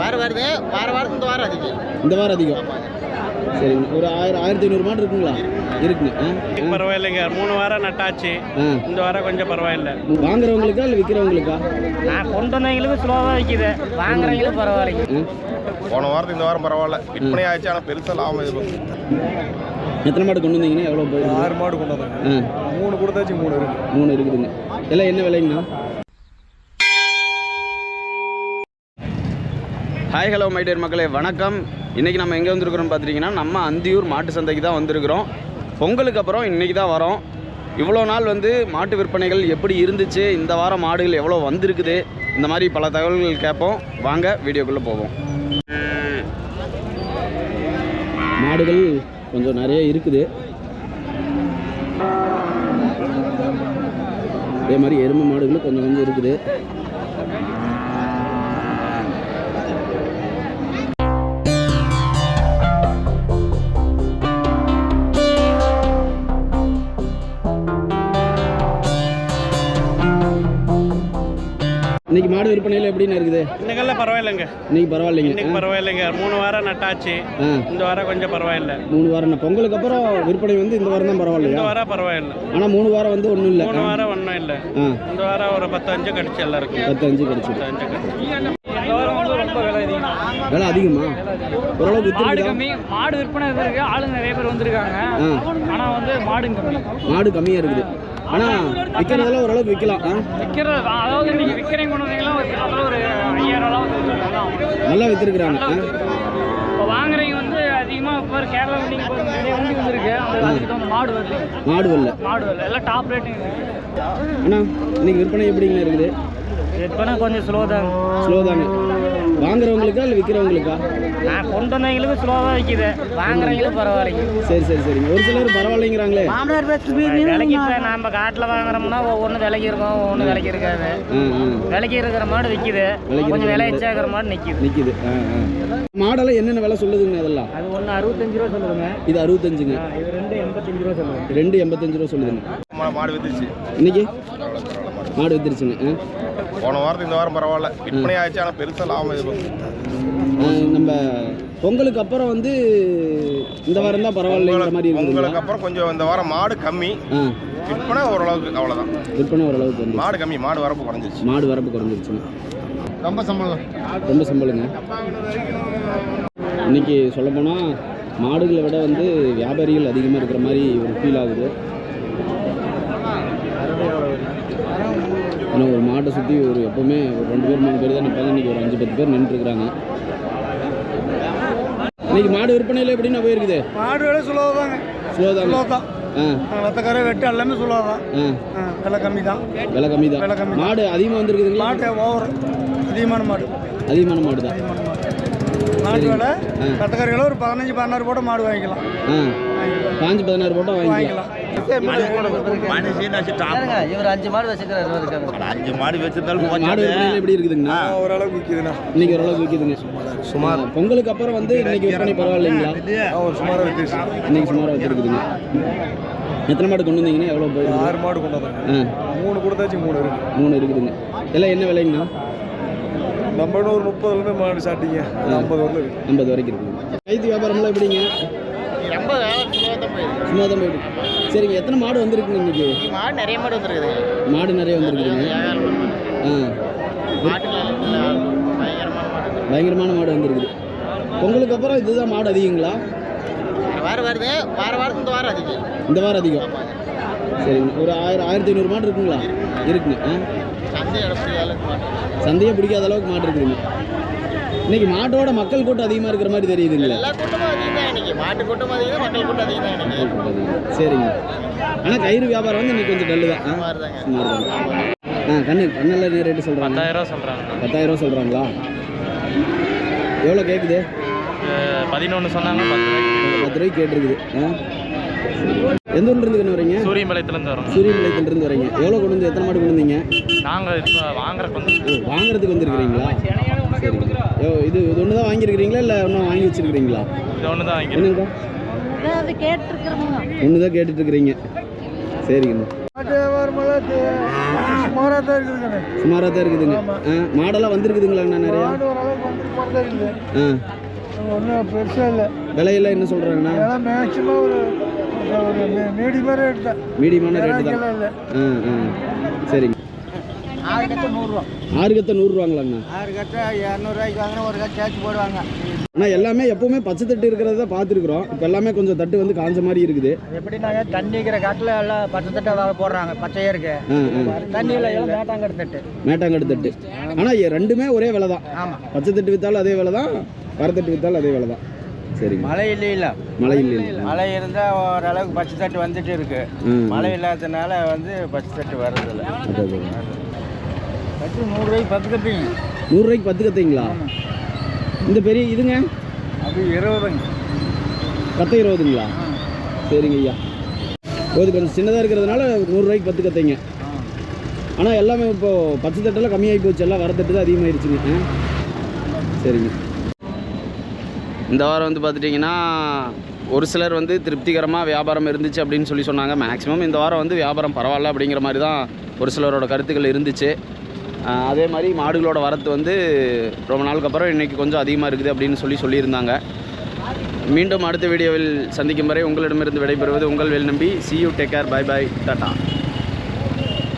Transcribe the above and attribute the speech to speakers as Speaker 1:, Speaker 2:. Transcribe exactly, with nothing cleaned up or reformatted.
Speaker 1: வாரம் வருது வார வாரத்துக்கு இந்த வாரம் அதிகம்
Speaker 2: இந்த வாரம் அதிகம் சரிங்க. ஒரு ஆயிரம் ஆயிரத்தி ஐநூறு மாடு இருக்குங்களா? இருக்குங்க.
Speaker 3: பரவாயில்லைங்க, மூணு வாரம் நட்டாச்சு. இந்த வாரம் கொஞ்சம் பரவாயில்ல.
Speaker 2: வாங்குறவங்களுக்கா இல்லை விற்கிறவங்களுக்கா?
Speaker 4: நான் கொண்டு வந்தவங்களுக்கு ஸ்லோவாக விற்கிது, வாங்குறவங்களுக்கு பரவாயில்லைங்க.
Speaker 5: போன வாரத்துக்கு இந்த வாரம் பரவாயில்ல, விற்பனை ஆயிடுச்சு. ஆனால் பெருசாக லாபம் எதிர்பார்க்கும்.
Speaker 2: எத்தனை மாடு கொண்டு வந்தீங்கன்னா எவ்வளோ போய்?
Speaker 5: ஆறு மாடு கொண்டு வந்தாங்க. மூணு கொடுத்தாச்சு, மூணு இருக்குது.
Speaker 2: மூணு இருக்குதுங்க. எல்லாம் என்ன விலைங்கண்ணா? ஹாய் ஹலோ மை டியர் மக்களே, வணக்கம். இன்றைக்கி நம்ம எங்கே வந்திருக்கிறோம் பார்த்துட்டிங்கன்னா, நம்ம அந்தியூர் மாட்டு சந்தைக்கு தான் வந்திருக்கிறோம். பொங்கலுக்கு அப்புறம் இன்றைக்கி தான் வரோம். இவ்வளோ நாள் வந்து மாட்டு விற்பனைகள் எப்படி இருந்துச்சு, இந்த வாரம் மாடுகள் எவ்வளோ வந்திருக்குது, இந்த மாதிரி பல தகவல்கள் கேட்போம். வாங்க வீடியோக்குள்ளே போவோம். மாடுகள் கொஞ்சம் நிறைய இருக்குது. அதே மாதிரி எருமை மாடுகளும் கொஞ்சம் கொஞ்சம் இருக்குது. இன்னைக்கு மாடு விற்பனையில் எப்படின்னு இருக்குது?
Speaker 3: இன்னைக்கெல்லாம் பரவாயில்லைங்க.
Speaker 2: இன்னைக்கு பரவாயில்லைங்க.
Speaker 3: இன்னைக்கு பரவாயில்லைங்க, மூணு வாரம் நட்டாச்சு. இந்த வாரம் கொஞ்சம் பரவாயில்ல.
Speaker 2: மூணு வாரம் பொங்கலுக்கு அப்புறம் விற்பனை வந்து இந்த வாரம் தான் பரவாயில்லையா?
Speaker 3: இந்த வாரம் பரவாயில்ல.
Speaker 2: ஆனால் மூணு வாரம் வந்து ஒன்றும் இல்லை.
Speaker 3: மூணு வாரம் ஒன்றும் இல்லை. இந்த வாரம் ஒரு பத்து அஞ்சு கடிச்சு எல்லாருக்கும்.
Speaker 2: பத்து அஞ்சு கடிச்சு.
Speaker 3: பத்து அஞ்சு கடிச்சு.
Speaker 4: ரொம்ப விலை அதிகம்.
Speaker 2: விலை அதிகமா? ஓரளவுக்கு
Speaker 4: மாடு கம்மி. மாடு விற்பனை இருக்கு, ஆளுங்க நிறைய பேர் வந்திருக்காங்க. ஆனால் வந்து மாடு கம்மி.
Speaker 2: மாடு கம்மியாக இருக்குது. ஆனால் விற்கிறதெல்லாம் ஓரளவுக்கு விற்கலாம்.
Speaker 4: விற்கிறது அதாவது நீங்கள் விற்கிறீங்க கொண்டு வந்தீங்கன்னா ஒரு ஐயாயிரம்
Speaker 2: நல்லா விற்றுருக்குறாங்க.
Speaker 4: இப்போ வாங்குறீங்க வந்து அதிகமாக இப்போ கேரளா வண்டிங்க நிறைய வண்டி வந்துருக்கு. அதுக்கு வந்து மாடு வருது.
Speaker 2: மாடு வரல.
Speaker 4: மாடு வரல, எல்லாம் டாப் ரேட்டிங் இருக்குது.
Speaker 2: அண்ணா இன்னைக்கு விற்பனை எப்படிங்க இருக்குது?
Speaker 4: விற்பனை கொஞ்சம் ஸ்லோ தாங்க.
Speaker 2: ஸ்லோ தாங்க. வாங்குறவங்களுக்கா இல்லை விற்கிறவங்களுக்கா? நான்
Speaker 4: கொண்டு வந்தவங்களுக்கு ஸ்லோவாக விற்கிது, வாங்குறவங்களுக்கு பரவாயில்லைங்க.
Speaker 2: சரி சரி சரிங்க. ஒரு சிலர் பரவாயில்லைங்கிறாங்களே.
Speaker 4: விலைக்கு இப்போ நம்ம காட்டில் வாங்குறோம்னா ஒவ்வொன்று விலைக்கு இருக்கும், ஒவ்வொன்று விலைக்கு இருக்காது. விலைக்கு இருக்கிற மாடு விற்கிது, கொஞ்சம் விலை எச்சாகிற மாடு நிற்கிது
Speaker 2: நிற்கிது மாடெல்லாம் என்னென்ன விலை சொல்லுதுங்க? அதெல்லாம்
Speaker 4: அது ஒன்று அறுபத்தஞ்சு ரூபா சொல்லுதுங்க.
Speaker 2: இது அறுபத்தஞ்சுங்க.
Speaker 4: இது ரெண்டு எண்பத்தஞ்சு ரூபா சொல்லுங்க.
Speaker 2: ரெண்டு எண்பத்தஞ்சு ரூபா சொல்லுதுங்க.
Speaker 5: மாடு வித்துச்சு
Speaker 2: இன்னைக்கு. மாடு வித்துருச்சுங்க.
Speaker 5: போன வாரத்துக்கு இந்த வாரம் பரவாயில்ல, விற்பனை ஆயிடுச்சு. ஆனால் பெருசாக லாபம் எதிர்பார்க்கும்.
Speaker 2: நம்ம பொங்கலுக்கு அப்புறம் வந்து இந்த வாரம் தான் பரவாயில்லைங்கிற மாதிரி இருக்கு.
Speaker 5: பொங்கலுக்கு அப்புறம் கொஞ்சம் இந்த வாரம் மாடு கம்மி, விற்பனை ஓரளவுக்கு. அவ்வளோதான்,
Speaker 2: விற்பனை ஓரளவுக்கு வந்து
Speaker 5: மாடு கம்மி. மாடு வரப்பு குறைஞ்சிருச்சு.
Speaker 2: மாடு வரப்பு குறைஞ்சிருச்சுங்க.
Speaker 5: ரொம்ப சம்பளம்
Speaker 2: ரொம்ப சம்பளங்க. இன்னைக்கு சொல்லப்போனால் மாடுகளை விட வந்து வியாபாரிகள் அதிகமாக இருக்கிற மாதிரி ஒரு ஃபீல் ஆகுது. ஆனால் ஒரு மாட்டை சுற்றி ஒரு எப்போவுமே ஒரு ரெண்டு பேர் மூணு பேர் தான் நிற்பாங்க. இன்றைக்கி ஒரு அஞ்சு பத்து பேர் நின்றுருக்குறாங்க. இன்னைக்கு மாடு விற்பனையில் எப்படின்னா போயிருக்குது?
Speaker 6: மாடு விலை சுலோவா தாங்க.
Speaker 2: ஸ்லோ தான்.
Speaker 6: சுலோ தான். ரத்தக்கார வெட்டு எல்லாமே சுலோ தான். விலை கம்மி தான்.
Speaker 2: விலை கம்மி தான்.
Speaker 6: விலை கம்மி.
Speaker 2: மாடு அதிகமாக வந்துருக்குதுங்களா?
Speaker 6: மாட்டு ஓவர் அதிகமான மாடு.
Speaker 2: அதிகமான மாடு தான்.
Speaker 6: மாட்டு விலை ரத்தக்காரிகளை ஒரு பதினஞ்சு பதினாறு போட்டு மாடு வாங்கிக்கலாம்.
Speaker 2: பாஞ்சு பதினாறு போட்டால் வாங்கிக்கலாம்.
Speaker 4: இவர் அஞ்சு மாடு வச்சுக்கிறாரு.
Speaker 5: அஞ்சு மாடு வச்சிருந்தாலும்
Speaker 2: மாடு விற்பனையில் எப்படி இருக்குதுங்கண்ணா?
Speaker 6: ஓரளவுக்கு விற்கிதுண்ணா.
Speaker 2: இன்னைக்கு ஓரளவுக்கு விற்கிதுங்க. சுமார். பொங்கலுக்கு அப்புறம் வந்து இன்னைக்கு விற்பனை பரவாயில்லைங்களா?
Speaker 6: ஒரு சுமாராக விற்கிது.
Speaker 2: இன்னைக்கு சுமாராக வச்சுருக்குதுங்க. எத்தனை மாடு கொண்டு வந்தீங்கன்னா எவ்வளோ போய்?
Speaker 6: ஆறு மாடு கொண்டு வந்தாங்க. மூணு கொடுத்தாச்சு, மூணு இருக்குது.
Speaker 2: மூணு இருக்குதுங்க. எல்லாம் என்ன விலைங்கண்ணா?
Speaker 6: நம்ம ஒரு முப்பதுலேருந்து மாடு சாட்டிங்க ஐம்பது வரல இருக்குது.
Speaker 2: ஐம்பது வரைக்கும் இருக்குதுங்க. கைத்து வியாபாரம்லாம் எப்படிங்க?
Speaker 1: ரொம்ப
Speaker 2: சும்மா தான் போயிட்டு. சரிங்க. எத்தனை மாடு வந்துருக்குங்க இன்னைக்கு?
Speaker 1: மாடு நிறைய மாடு வந்துருக்குது.
Speaker 2: மாடு நிறைய வந்துருக்குதுங்க. ஆ, பயங்கரமான மாடு வந்துருக்குது. பொங்கலுக்கு அப்புறம் இதுதான் மாடு அதிகங்களா?
Speaker 1: வாரம் வருது வார வாரத்துக்கு இந்த வாரம் அதிகம்.
Speaker 2: இந்த வாரம் அதிகம். சரிங்க. ஒரு ஆயிரம் ஆயிரத்தி ஐநூறு மாடு இருக்குங்களா? இருக்குங்க. சந்தையை பிடிக்காத அளவுக்கு மாடு இருக்குதுங்க. இன்னைக்கு மாட்டோட மக்கள் கூட்டம் அதிகமாக இருக்கிற மாதிரி தெரியுதுங்களா?
Speaker 1: எல்லா கூட்டமும் அதிகம் தான் இன்னைக்கு. மாட்டு கூட்டம் அதிகம், மக்கள் கூட்டம் அதிகம் தான் இன்னைக்கு.
Speaker 2: சரிங்க. ஆனால் கயிறு வியாபாரம் வந்து இன்னைக்கு கொஞ்சம் டல்லு தான். சுமார் தான். ஆ, கண்ணு கண்ணெல்லாம் ரேட்டு சொல்கிறாங்க.
Speaker 3: பத்தாயிரம் சொல்கிறாங்க.
Speaker 2: பத்தாயிரம் சொல்கிறாங்களா? எவ்வளோ கேட்குது?
Speaker 3: பதினொன்று சொன்னாங்க. பத்து ரூபாய்க்கு
Speaker 2: பத்து ரூபாய்க்கு கேட்டுருக்குது. ஆ, எந்த ஊர்லேருந்து கண்ணு வரீங்க?
Speaker 3: சூரியம்பாளையத்துலேருந்து வரோம்.
Speaker 2: சூரியம்பாளையத்துலேருந்து வரீங்க. எவ்வளோ கொண்டு வந்து எத்தனை மாடு கொண்டு வந்தீங்க?
Speaker 3: நாங்கள் இப்போ வாங்குறதுக்கு வந்து
Speaker 2: வாங்குறதுக்கு வந்துருக்குறீங்களா? சரிங்க. ஓ, இது இது ஒன்று தான் வாங்கியிருக்கிறீங்களா இல்லை இன்னும் வாங்கி வச்சுருக்கிறீங்களா?
Speaker 3: இது ஒன்று தான் வாங்கி
Speaker 2: ஒன்று தான் கேட்டுட்ருக்குறீங்க. சரிங்க.
Speaker 6: மாட்டு வியாபாரமெல்லாம் சுமாராக தான் இருக்குதுங்க.
Speaker 2: சுமாராக தான் இருக்குதுங்க. ஆ மாடெல்லாம் வந்திருக்குதுங்களாண்ணா நிறையா?
Speaker 6: மாடு ஓரளவுக்கு வந்துட்டு போகிறதா இருக்குது.
Speaker 2: ஆ
Speaker 6: ஒன்றும் பெருசாக இல்லை.
Speaker 2: விலையெல்லாம் என்ன சொல்கிறாங்கண்ணா?
Speaker 6: இதெல்லாம் மேக்ஸிமம் ஒரு ஒரு மீடியமாக ரேட் தான்.
Speaker 2: மீடியமான ரேட்டு தான்.
Speaker 6: இல்லை.
Speaker 2: ஆ ஆ சரிங்க.
Speaker 6: ஆறு கட்டு நூறுரூவா.
Speaker 2: ஆறு கத்தை நூறுரூவாங்களாண்ணா?
Speaker 6: ஆறு கட்டை இரநூறுவாய்க்கு வாங்கினா ஒரு கட்டு சேர்த்து போடுவாங்க.
Speaker 2: ஆனால் எல்லாமே எப்போவுமே பச்சை தட்டு இருக்கிறத தான் பார்த்துருக்குறோம். இப்போ எல்லாமே கொஞ்சம் தட்டு வந்து காஞ்ச மாதிரி இருக்குது.
Speaker 6: எப்படின்னாங்க தண்ணிக்கிற காட்டில் எல்லாம் பச்சை தட்டை போடுறாங்க. பச்சையாக இருக்கு. தண்ணியில் எல்லாம் மேட்டாங்கட்டு தட்டு.
Speaker 2: மேட்டாங்கட்டு தட்டு. ஆனால் ரெண்டுமே ஒரே விலை தான்.
Speaker 6: ஆமாம்.
Speaker 2: பச்சை தட்டு விற்றாலும் அதே விலை தான், வரத்தட்டு விற்றாலும் அதே விலை தான். சரிங்க.
Speaker 6: மழை இல்லை இல்லை
Speaker 2: மழை இல்லை இல்லை
Speaker 6: மழை இருந்தால் ஓரளவுக்கு பச்சை தட்டு வந்துட்டு இருக்கு. மழை இல்லாததுனால வந்து பச்சை தட்டு வர்றதில்ல. கட்டு நூறுரூவாய்க்கு பத்து கட்டிங்க.
Speaker 2: நூறுரூவாய்க்கு பத்து கத்தைங்களா? இந்த பெரிய இதுங்க
Speaker 6: அது இருபதுங்க.
Speaker 2: கத்தை இருபதுங்களா? சரிங்க ஐயா. இது கொஞ்சம் சின்னதாக இருக்கிறதுனால நூறுரூவாய்க்கு பத்து கத்தைங்க. ஆனால் எல்லாமே இப்போது பச்சை தட்டெல்லாம் கம்மியாகி போச்சு. எல்லாம் வரத்தட்டு தான் அதிகமாகிடுச்சுங்க. சரிங்க. இந்த வாரம் வந்து பார்த்துட்டிங்கன்னா ஒரு சிலர் வந்து திருப்திகரமாக வியாபாரம் இருந்துச்சு அப்படின்னு சொல்லி சொன்னாங்க. மேக்ஸிமம் இந்த வாரம் வந்து வியாபாரம் பரவாயில்ல அப்படிங்கிற மாதிரி தான் ஒரு சிலரோட கருத்துக்கள் இருந்துச்சு. அதே மாதிரி மாடுகளோட வரத்து வந்து ரொம்ப நாளுக்கு அப்புறம் இன்றைக்கி கொஞ்சம் அதிகமாக இருக்குது அப்படின்னு சொல்லி சொல்லியிருந்தாங்க. மீண்டும் அடுத்த வீடியோவில் சந்திக்கும் வரை உங்களிடமிருந்து விடைபெறுவது உங்கள் Vel Nambi. See you, take care, bye bye, tata.